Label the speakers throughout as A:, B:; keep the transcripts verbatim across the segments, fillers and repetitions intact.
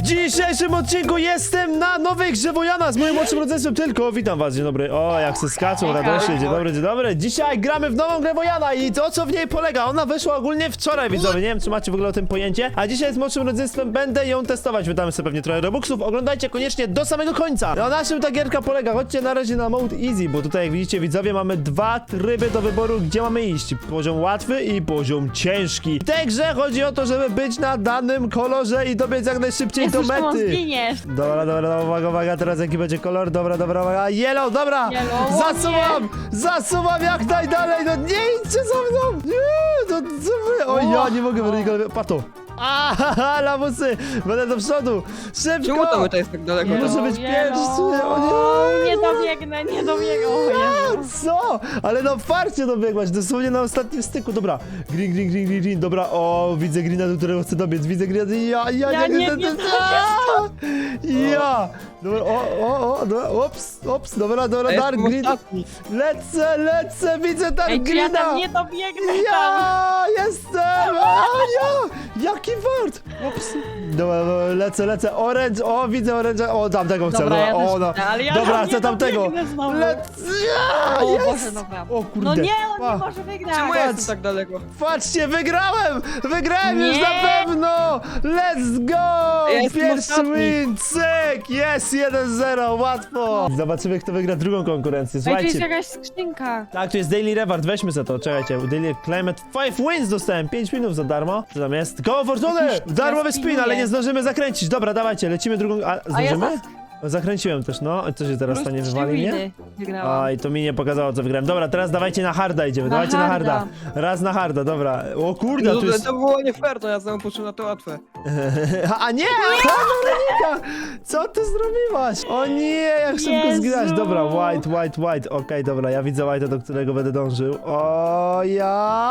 A: dzisiejszym odcinku jestem na nowej grze Wojana z moim młodszym rodzeństwem tylko. Witam was, dzień dobry. O, jak se skaczą radośnie, dzień dobry, dzień dobry. Dzisiaj gramy w nową grę Wojana i to, co w niej polega. Ona wyszła ogólnie wczoraj, widzowie. Nie wiem, czy macie w ogóle o tym pojęcie. A dzisiaj z młodszym rodzeństwem będę ją testować. Wydamy sobie pewnie trochę robuxów. Oglądajcie koniecznie do samego końca. Na naszym ta gierka polega. Chodźcie na razie na mode easy, bo tutaj jak widzicie, widzowie, mamy dwa tryby do wyboru, gdzie mamy iść. Poziom łatwy i poziom ciężki. W tej grze chodzi o to, żeby być na danym kolorze i dobiec jak najszybciej do mety. Dobra, dobra, uwaga, uwaga, teraz jaki będzie kolor? Dobra, dobra, uwaga, yellow, dobra!
B: Yellow,
A: zasuwam! Zasuwam jak najdalej, no nie idźcie za mną! Nie, no co wy? O, ja nie mogę, Weronika, pato! Aha, lamusy! Będę do przodu! Szybko!
C: Czemu to my to jest tak daleko?
A: Nie może być pierwszy! O nie!
B: Nie dobiegnę, nie dobiegnę. O Jezu.
A: Co? Ale no farcie dobiegłaś, dosłownie na ostatnim styku, dobra. Green, green, green, green, green, dobra, o, widzę greena, do którego chcę dobiec, widzę greena, ja, ja,
B: Ja
A: nie,
B: nie
A: nie,
B: wiem,
A: ja, dobra, o, o, o, dobra, ops, ops, dobra, dobra,
C: Ja
A: dark
C: jestem
A: green,
C: ostatni.
A: lecę, lecę, widzę dark
B: Ej, czy ja
A: greena.
B: tam nie dobiegnę tam?
A: Ja jestem! A, ja! Jaki wart! Ops. Dobra, lecę, lecę. Orange, o, widzę orange. O, tamtego chcę.
B: Dobra, ja
A: o,
B: też
A: no.
B: chcę, ale ja
A: Dobra,
B: tam
A: chcę
B: nie
A: tamtego.
B: dobiegnę znowu.
A: Lecę! Ja,
B: O
A: jest.
B: Boże, dobra.
A: O kurde.
B: No nie, on
A: Pa.
B: nie może wygrać.
C: Czemu ja
A: Patrz.
C: jestem tak daleko?
A: Patrzcie, wygrałem! Wygrałem już
B: Nie.
A: na pewno! Let's go!
C: Ja jestem
A: Pierwszy
C: ostatni.
A: win! Cyk! Jest! jeden zero, łatwo! Zobaczymy, kto wygra drugą konkurencję.
B: Ej, tu jest
A: Słuchajcie.
B: jakaś skrzynka.
A: Tak, tu jest Daily Reward, weźmy za to, czekajcie. Daily Climate pięć wins dostałem, pięć winów za darmo. Co tam jest? Koło fortuny!
B: Jakiś
A: Darmowy spin,
B: spinuje.
A: ale nie zdążymy zakręcić. Dobra, dawajcie, lecimy drugą... A,
B: A ja
A: zdążymy?
B: za-
A: Zakręciłem też, no. Co się teraz
B: Plus
A: stanie,
B: trzy
A: wywali mnie?
B: winy wygrałam.
A: Aj, to mi nie pokazało, co wygrałem. Dobra, teraz dawajcie na harda idziemy,
B: Na
A: dawajcie na
B: harda.
A: harda. Raz na harda, dobra. O kurde,
C: No,
A: tu jest...
C: to było nie fair, to ja znowu poszłem na to łatwe.
A: A nie! Weronika! Co ty zrobiłaś? O nie, jak szybko
B: Jezu!
A: zginąć. Dobra, white, white, white. Okej, dobra, ja widzę white'a, do którego będę dążył. O ja!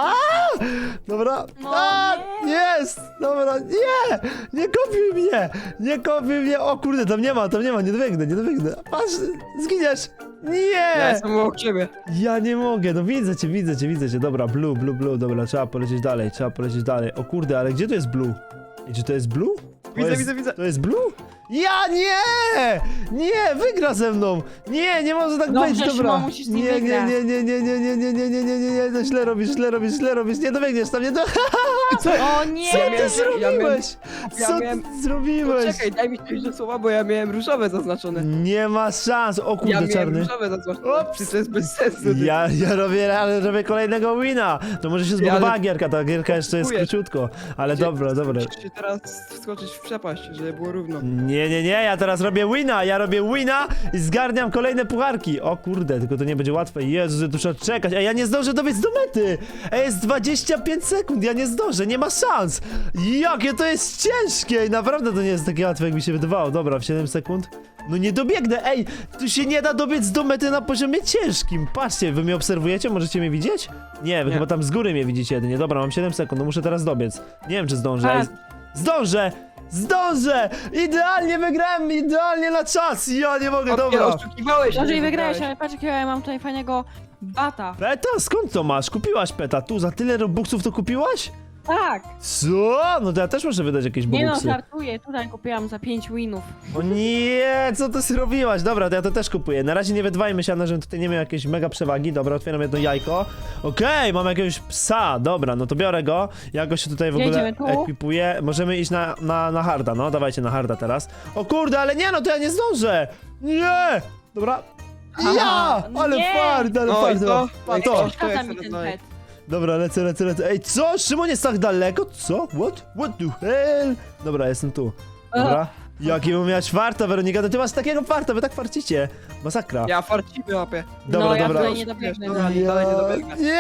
A: Dobra.
B: No
A: A,
B: nie.
A: jest! Dobra, nie! Nie kopiuj mnie! Nie kopiuj mnie! O kurde, tam nie ma, tam nie ma, nie dobiegnę, nie dobiegnę. Patrz, zginiesz!
C: Ja
A: Nie!
C: jestem obok ciebie.
A: Ja nie mogę, no widzę cię, widzę cię, widzę cię. Dobra, blue, blue, blue, dobra, trzeba polecieć dalej, trzeba polecieć dalej. O kurde, ale gdzie to jest blue? I czy to jest blue? To
C: Widzę,
A: jest,
C: widzę, widzę.
A: To jest blue? Ja nie! Nie, wygra ze mną! Nie, nie może tak
B: Dobrze,
A: być, dobra.
B: Szymon, musisz z nim
A: Nie, nie,
B: wygrać.
A: nie, nie, nie, nie, nie, nie, nie, nie, nie, nie, nie, to źle robisz, źle robisz, źle robisz, nie dobiegniesz tam, nie do...
C: Co?
B: O nie!
A: Co
C: Ja
A: ty
C: miałem- ja
A: zrobiłeś?
C: ja
A: Co
C: miałem-
A: ty zrobiłeś?
C: Czekaj, daj mi coś do słowa, bo ja miałem różowe zaznaczone.
A: Nie ma szans, o
C: Ja
A: kurde,
C: miałem
A: czarny.
C: różowe zaznaczone.
A: Ops.
C: Czy to jest bez sensu? ty?
A: Ja, ja robię, ale robię kolejnego wina. To może się zbudowała
C: ale-
A: gierka, ta gierka jeszcze jest
C: Kupuję.
A: króciutko. Ale
C: Gdzie-
A: dobra, dobra.
C: Musisz się teraz wskoczyć w przepaść, żeby było równo.
A: Nie, nie, nie, ja teraz robię wina, ja robię wina i zgarniam kolejne pucharki. O kurde, tylko to nie będzie łatwe. Jezu, tu trzeba czekać, a ja nie zdążę dobiec do mety. Ej, jest dwadzieścia pięć sekund, ja nie zdążę, nie ma szans. Jakie to jest ciężkie i naprawdę to nie jest takie łatwe, jak mi się wydawało. Dobra, w siedem sekund. No nie dobiegnę, ej, tu się nie da dobiec do mety na poziomie ciężkim. Patrzcie, wy mnie obserwujecie, możecie mnie widzieć? Nie, wy
C: Nie.
A: chyba tam z góry mnie widzicie jedynie. Dobra, mam siedem sekund, no muszę teraz dobiec. Nie wiem, czy zdążę. Ej,
B: Tak.
A: zdążę! Zdążę! Idealnie wygrałem, idealnie na czas! Ja nie mogę,
C: Nie,
A: dobra!
C: oszukiwałeś,
B: Dobrze
C: nie
B: i wygrałeś, ale patrz jakiego ja mam tutaj fajnego bata.
A: Peta? Skąd to masz? Kupiłaś peta? Tu za tyle robuxów to kupiłaś?
B: Tak.
A: Co? No to ja też muszę wydać jakieś
B: Nie no,
A: bobuksy.
B: żartuję, tutaj kupiłam za pięć winów.
A: O nie, co ty zrobiłaś? Dobra, to ja to też kupuję. Na razie nie wydwajmy się, żebym tutaj nie miał jakiejś mega przewagi. Dobra, otwieram jedno jajko. Okej, mam jakiegoś psa. Dobra, no to biorę go. Ja go się tutaj w ogóle
B: Jedziemy tu?
A: ekwipuję. Możemy iść na, na, na harda, no. Dawajcie na harda teraz. O kurde, ale nie, no to ja nie zdążę. Nie! Dobra. Ja!
B: Aha,
A: Ale
B: nie.
A: fart, ale
C: No i
A: fart.
C: co?
A: A
C: No i
A: to.
C: co?
B: Przeszkadza mi ten pet.
A: Dobra, lecę, lecę, lecę. Ej, co? Szymon jest tak daleko? Co? What? What the hell? Dobra, jestem tu. Dobra. Jakiego miałeś farta, Weronika? To ty masz takiego farta, wy tak farcicie. Masakra.
C: Ja farcimy łapie.
A: Dobra,
B: no, ja
A: dobra.
B: tutaj nie dobiegnę.
C: Dobra, nie, dalej nie dobiegnę.
A: Nie!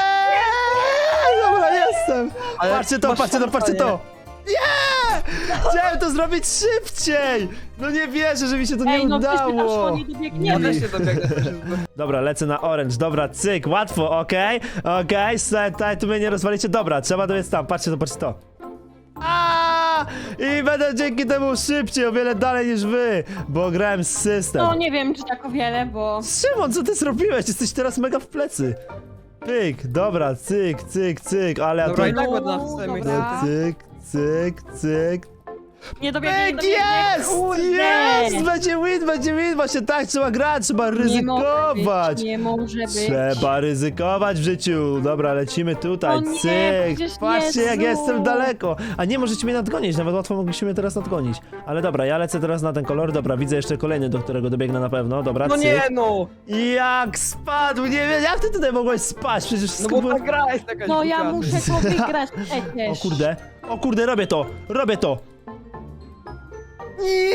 A: Dobra, jestem!
C: Ale
A: Patrzcie to,
C: masz
A: patrzcie to,
C: szansa,
A: patrzcie
C: nie?
A: to! Nie! Chciałem to zrobić szybciej! No nie wierzę, że mi się to nie
B: Ej, no przecież
A: udało!
B: pytasz, nie
C: Ja
B: dobiegniemy.
C: też się dobiegnę. też się-
A: Dobra, lecę na orange, dobra, cyk, łatwo, okej, okej, okay. Tu mnie nie rozwalicie, dobra, trzeba dobiec tam, patrzcie to, patrzcie to. A! I będę dzięki temu szybciej, o wiele dalej niż wy, bo grałem z system.
B: No nie wiem, czy tak o wiele, bo...
A: Szymon, co ty zrobiłeś? Jesteś teraz mega w plecy. Pyk, dobra, cyk, cyk, cyk, ale ja
C: Dobra,
A: tu...
C: i tak ładna w
B: Dobra.
C: samej
A: Cyk, cyk, cyk.
B: Nie dobiegnie, nie
A: Pyk,
B: dobiegnie.
A: jest!
B: Kurde.
A: Jest! Będzie win, będzie win! Właśnie tak trzeba grać, trzeba
B: Nie może
A: ryzykować!
B: być, nie może być.
A: Trzeba ryzykować w życiu. Dobra, lecimy tutaj.
B: O nie,
A: Cyk.
B: przecież
A: Patrzcie, jak
B: Jezu.
A: jestem daleko. A nie, możecie mnie nadgonić. Nawet łatwo mogliście mnie teraz nadgonić. Ale dobra, ja lecę teraz na ten kolor. Dobra, widzę jeszcze kolejny, do którego dobiegnę na pewno. Dobra,
C: No
A: cyk.
C: nie no!
A: Jak spadł, nie wiem, jak ty tutaj mogłeś spać? Przecież
C: No bo
A: skubłem-
C: ta gra jest jakaś
B: No ja
C: głupia.
B: muszę to wygrać przecież.
A: O kurde, o kurde, robię to, robię to. Nie,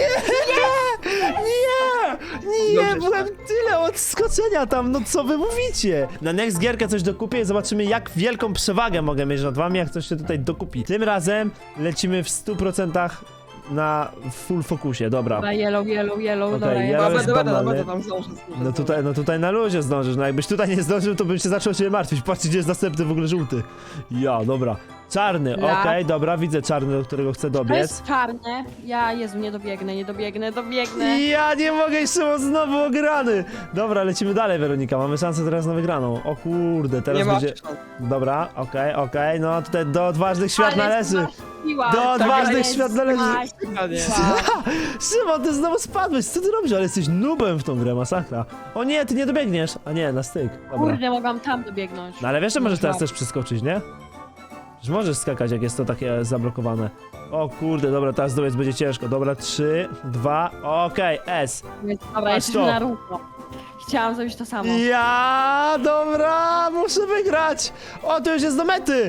A: nie, nie,
C: Dobrze,
A: byłem tyle od skoczenia tam, no co wy mówicie? Na next gierkę coś dokupię i zobaczymy, jak wielką przewagę mogę mieć nad wami, jak coś się tutaj dokupi. Tym razem lecimy w stu procentach na full fokusie, dobra.
B: Dobra, yellow, yellow, yellow,
A: Okej,
B: dobra,
A: yellow
C: Dobra,
A: jest
C: będę, będę,
A: banalny.
C: będę tam zdążę. zdążę,
A: No tutaj, no tutaj na luzie zdążysz, no jakbyś tutaj nie zdążył, to bym się zaczął się martwić. Patrzcie, gdzie jest następny w ogóle żółty. Ja, dobra. Czarny, okej,
B: Ja.
A: dobra, widzę czarny, do którego chcę
B: To
A: dobiec.
B: jest czarne. Ja, Jezu, nie dobiegnę, nie dobiegnę, dobiegnę.
A: Ja nie mogę, jeszcze znowu ograny. Dobra, lecimy dalej, Weronika, mamy szansę teraz na wygraną. O kurde, teraz
C: Nie ma
A: będzie...
C: szans.
A: Dobra, okej, okej, no tutaj do odważnych świat
B: Ale
A: należy.
B: siła,
A: Do
B: to
A: odważnych
B: jest
A: świat należy.
C: Chyba nie.
B: siła.
A: Szymon, ty znowu spadłeś, co ty robisz? Ale jesteś nubem w tą grę, masakra. O nie, ty nie dobiegniesz. A nie, na styk, dobra.
B: Kurde, mogłam tam dobiegnąć.
A: No ale wiesz, że możesz teraz
B: Można.
A: też przeskoczyć, nie? Że możesz skakać, jak jest to takie zablokowane. O kurde, dobra, teraz dobiec będzie ciężko. Dobra, trzy, dwa, okej, S.
B: Dobra, jesteśmy
A: to.
B: na równo. Chciałam zrobić to samo.
A: Ja, dobra, muszę wygrać. O, to już jest do mety.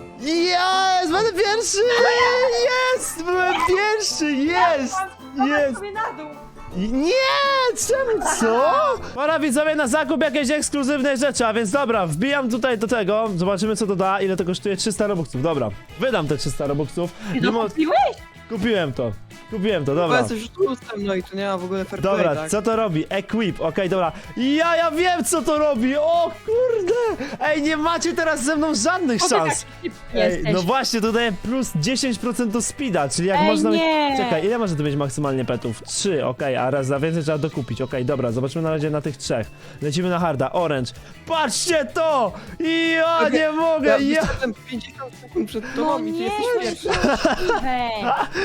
A: Jest, będę pierwszy. Jest, byłem pierwszy, jest, jest.
B: sobie na dół.
A: Nie, czemu, co? Pora widzowie na zakup jakiejś ekskluzywnej rzeczy, a więc dobra, wbijam tutaj do tego, zobaczymy co to da, ile to kosztuje, trzysta robuxów, dobra, wydam te trzysta robuxów,
B: Ty
A: mimo,
B: to kupiłeś?
A: kupiłem to, kupiłem to,
C: Dobra.
A: dobra.
C: Jesteś tłustym, no i tu nie ma w ogóle fair play,
A: Dobra,
C: tak?
A: co to robi? Equip, okej, dobra. Ja, ja wiem co to robi, o kurde! Ej, nie macie teraz ze mną żadnych
B: Po co tak
A: szans.
B: szybki
A: Ej,
B: jesteś?
A: no właśnie, to daje plus dziesięć procent do speeda, czyli jak
B: Ej,
A: można mieć...
B: nie.
A: Czekaj, ile może to mieć maksymalnie petów? Trzy, okej, a raz za więcej trzeba dokupić, okej, dobra, zobaczymy na razie na tych trzech. Lecimy na harda, orange. Patrzcie to! Ja
C: Okej,
A: nie mogę,
C: Ja
A: ja...
C: jestem pięćdziesiąt sekund przed
B: No
C: tobą i ty
B: nie,
C: jesteś pierwszy.
B: Hej.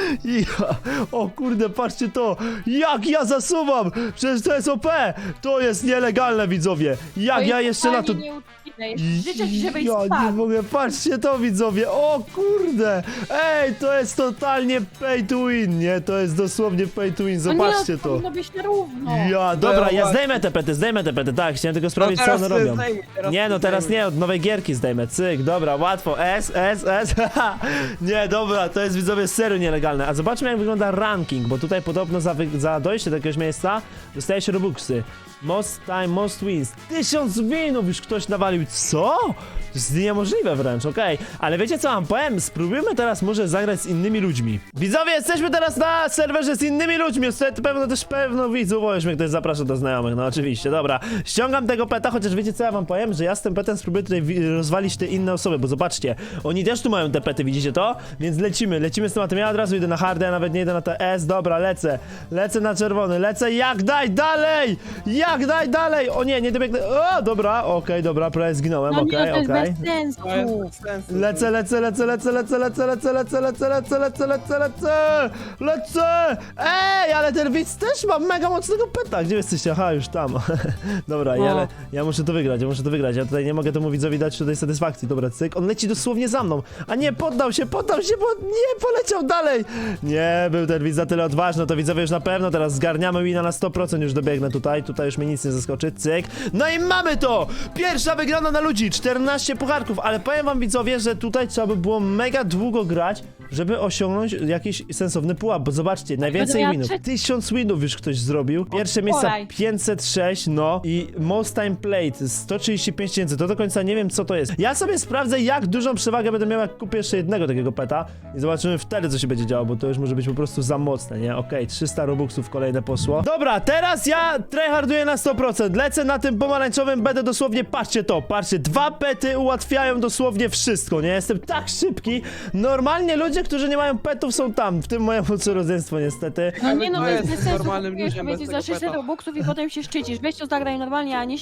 A: Ja, o kurde, patrzcie to! Jak ja zasuwam! Przecież to jest O P! To jest nielegalne, widzowie! Jak
B: To
A: ja
B: jest
A: jeszcze na to...
B: totalnie nieuczciwe. Życzę ci, żebyś
A: Ja nie
B: spadł.
A: mogę, patrzcie to, widzowie! O kurde! Ej, to jest totalnie pay to win, nie? To jest dosłownie pay to win,
B: No nie,
A: zobaczcie
B: no,
A: to!
B: powinno być na równo.
A: Ja, dobra, ja
C: właśnie.
A: zdejmę te pety, zdejmę te pety, tak, chciałem tylko sprawdzić, co
C: teraz
A: one
C: ty
A: robią.
C: zdejmuj, teraz
A: Nie,
C: ty
A: no teraz
C: zdejmuj.
A: nie, od nowej gierki zdejmę, cyk, dobra, łatwo, S, S, S, haha. Nie, dobra, to jest, widzowie, serio nielegalne. A zobaczmy, jak wygląda ranking, bo tutaj podobno za, wy- za dojście do jakiegoś miejsca dostaje się robuxy. Most time, most wins. Tysiąc winów już ktoś nawalił, co? To jest niemożliwe wręcz, okej. Ale wiecie co wam powiem? Spróbujmy teraz może zagrać z innymi ludźmi. Widzowie, jesteśmy teraz na serwerze z innymi ludźmi. Jest tutaj pewno też pewno widzów, bo już mnie ktoś zaprasza do znajomych, no oczywiście, dobra. Ściągam tego peta, chociaż wiecie co ja wam powiem? Że ja z tym petem spróbuję tutaj wi- rozwalić te inne osoby, bo zobaczcie, oni też tu mają te pety, widzicie to? Więc lecimy, lecimy z tematem. Ja od razu idę na hardę, ja nawet nie idę na te S, dobra, lecę. Lecę na czerwony, lecę, jak daj dalej! Jak daj dalej! O nie, nie dobiegnę. O, dobra, okej, dobra, prawie zginąłem,
B: No
A: okej,
B: nie, to jest
A: okej.
B: bez sensu.
C: To jest bez sensu.
A: Lecę, lecę, lecę, lecę, lecę, lecę, lecę, lecę, lecę, lecę, lecę, lecę, lecę, lecę! Ej, ale ten widz też ma mega mocnego peta. Gdzie jesteście? Aha, już tam. Dobra, ja, le- ja muszę to wygrać, ja muszę to wygrać. Ja tutaj nie mogę temu widzowi dać tutaj satysfakcji. Dobra, cyk, on leci dosłownie za mną. A nie, poddał się, poddał się, bo nie, poleciał dalej. Nie, był ten widz za tyle odważny, to widzowie już na pewno teraz zgarniamy wina na sto procent, już dobiegnę tutaj, tutaj już mnie nic nie zaskoczy, cyk. No i mamy to! Pierwsza wygrana na ludzi, czternaście pucharków, ale powiem wam widzowie, że tutaj trzeba by było mega długo grać, żeby osiągnąć jakiś sensowny pułap, bo zobaczcie, najwięcej
B: miała
A: winów,
B: trzeci-
A: tysiąc winów już ktoś zrobił, pierwsze miejsca
B: Wczoraj.
A: pięćset sześć, no i most time played sto trzydzieści pięć tysięcy, to do końca nie wiem co to jest. Ja sobie sprawdzę, jak dużą przewagę będę miał, jak kupię jeszcze jednego takiego peta i zobaczymy wtedy, co się będzie działo, bo to już może być po prostu za mocne, nie? Okej, trzysta robuxów kolejne poszło. Dobra, teraz ja tryharduję na sto procent, lecę na tym pomarańczowym, będę dosłownie, patrzcie to, patrzcie, dwa pety ułatwiają dosłownie wszystko, nie? Jestem tak szybki, normalnie ludzie, którzy nie mają petów są tam, w tym moje młodsze rodzeństwo niestety.
B: No nie, no
C: To
B: to jest
C: jest
B: bez sensu.
C: normalnym
B: Kupujesz
C: ludziom
B: sobie
C: bez
B: za
C: tego
B: sześćset
C: peta.
B: robuxów i potem się szczycisz. Weź to zagraj normalnie, a nie się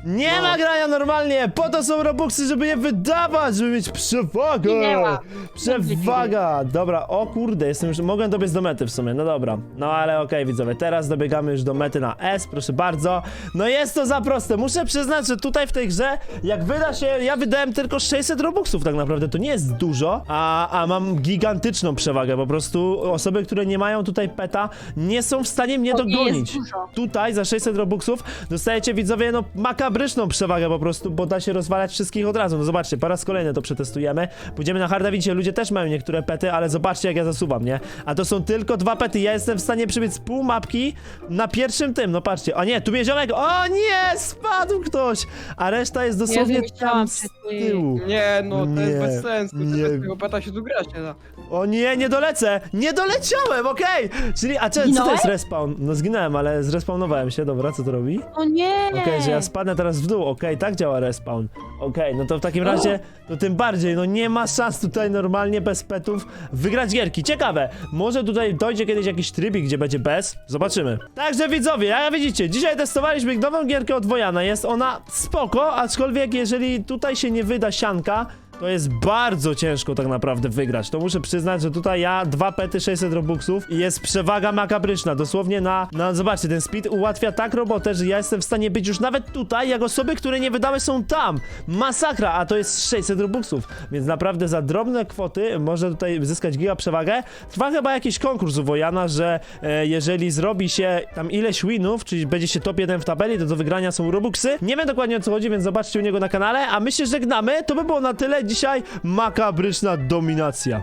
A: Nie
C: No.
A: ma grania normalnie! Po to są Robuxy, żeby je wydawać, żeby mieć przewagę!
B: Minęła.
A: Przewaga! Dobra, o kurde, jestem już... Mogę dobiec do mety w sumie, no dobra. No ale okej, widzowie, teraz dobiegamy już do mety na S, proszę bardzo. No jest to za proste, muszę przyznać, że tutaj w tej grze, jak wyda się... Ja wydałem tylko sześćset Robuxów tak naprawdę, to nie jest dużo, a, a mam gigantyczną przewagę, po prostu osoby, które nie mają tutaj peta, nie są w stanie mnie
B: To nie
A: dogonić.
B: jest dużo.
A: Tutaj za sześćset Robuxów dostajecie, widzowie, no makabryczną przewagę po prostu, bo da się rozwalać wszystkich od razu. No zobaczcie, po raz kolejny to przetestujemy. Pójdziemy na harda, widzicie, ludzie też mają niektóre pety, ale zobaczcie, jak ja zasuwam, nie? A to są tylko dwa pety, ja jestem w stanie przebiec pół mapki na pierwszym tym, no patrzcie. O nie, tu mnie ziomek, o nie, spadł ktoś! A reszta jest dosłownie
B: Jezu,
A: tam
B: myślałam,
A: z
B: że ty-
A: tyłu.
C: Nie, no to
A: Nie,
C: jest bez sensu.
A: nie.
C: Nie. Bez tego peta się tu grać nie da.
A: O nie, nie dolecę! Nie doleciałem, okej! Czyli, a cze, co to
B: Zginąłeś?
A: jest respawn? No zginąłem, ale zrespawnowałem się, dobra, co to robi?
B: O nie!
A: Okej, że ja spadnę teraz w dół, okej, tak działa respawn. Okej, no to w takim razie, to tym bardziej, no nie ma szans tutaj normalnie bez petów wygrać gierki. Ciekawe, może tutaj dojdzie kiedyś jakiś trybik, gdzie będzie bez? Zobaczymy. Także widzowie, jak widzicie, dzisiaj testowaliśmy nową gierkę od Wojana, jest ona spoko, aczkolwiek jeżeli tutaj się nie wyda sianka, to jest bardzo ciężko tak naprawdę wygrać. To muszę przyznać, że tutaj ja dwa pety, sześćset robuxów i jest przewaga makabryczna. Dosłownie na, na... Zobaczcie, ten speed ułatwia tak robotę, że ja jestem w stanie być już nawet tutaj, jak osoby, które nie wydały są tam. Masakra, a to jest sześćset robuxów. Więc naprawdę za drobne kwoty może tutaj zyskać giga przewagę. Trwa chyba jakiś konkurs u Wojana, że e, jeżeli zrobi się tam ileś winów, czyli będzie się top jeden w tabeli, to do wygrania są robuxy. Nie wiem dokładnie o co chodzi, więc zobaczcie u niego na kanale, a my się żegnamy. To by było na tyle. Dzisiaj makabryczna dominacja.